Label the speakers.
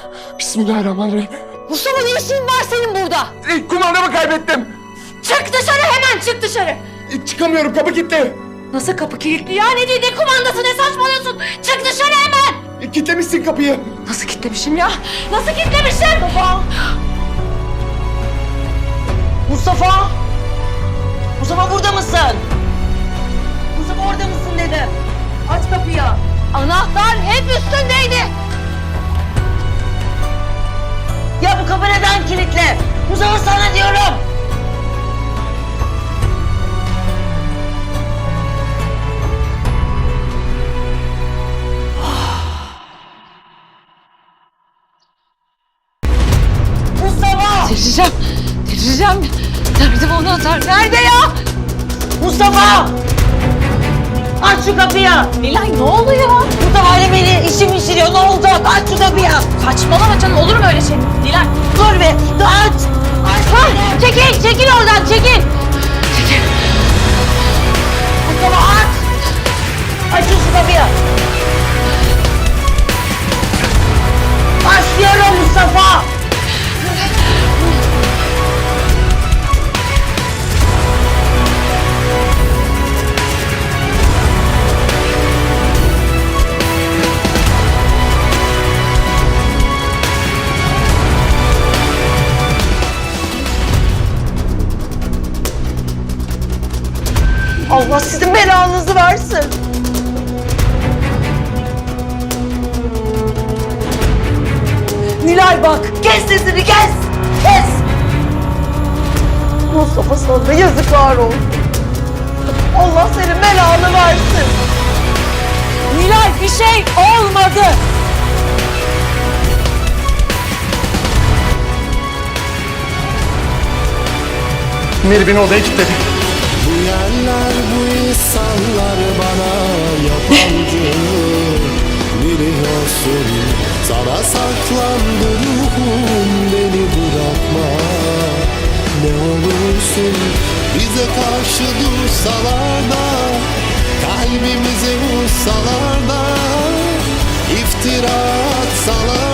Speaker 1: Bismillahirrahmanirrahim.
Speaker 2: Mustafa, ne işin var senin burada?
Speaker 1: Kumandamı kaybettim.
Speaker 2: Çık dışarı, hemen çık dışarı.
Speaker 1: Çıkamıyorum, kapı kilitli.
Speaker 2: Nasıl kapı kilitli ya? Ne kumandası, ne saçmalıyorsun? Çık dışarı hemen.
Speaker 1: Kilitlemişsin kapıyı.
Speaker 2: Nasıl kilitlemişim ya? Nasıl kilitlemişim? Baba.
Speaker 3: Mustafa! Mustafa, burada mısın? Mustafa, orada mısın dedim. Aç kapıyı.
Speaker 2: Anahtar hep üstündeydi.
Speaker 3: Ya bu kapı neden kilitli? Mustafa, sana diyorum. Mustafa!
Speaker 2: Delireceğim. Nerede bu anahtar? Nerede ya?
Speaker 3: Mustafa! Aç şu kapıyı.
Speaker 2: Nilay, ne oluyor?
Speaker 3: Mustafa ile beni işim işiriyor. Ne olacak? Aç şu kapıyı.
Speaker 2: Saçmalama canım, olur mu öyle şey? Nilay.
Speaker 3: Dur be. Dur, aç. Aç.
Speaker 2: Çekil oradan, çekil.
Speaker 3: Mustafa, aç. Aç şu kapıyı. Başlıyorum Mustafa. Allah sizin belanızı versin. Nilay bak, kes sesini, kes! Kes! Mustafa, sana yazıklar olsun. Allah senin belanı versin.
Speaker 2: Nilay, bir şey olmadı.
Speaker 1: Meri beni odaya kilitledik.
Speaker 4: Bu yerler, bu insanlar bana yabancı. Biliyorsun, sana saklandı ruhum, beni bırakma. Ne olursun bize karşı dursalar da, kalbimize vursalar da, iftira atsalar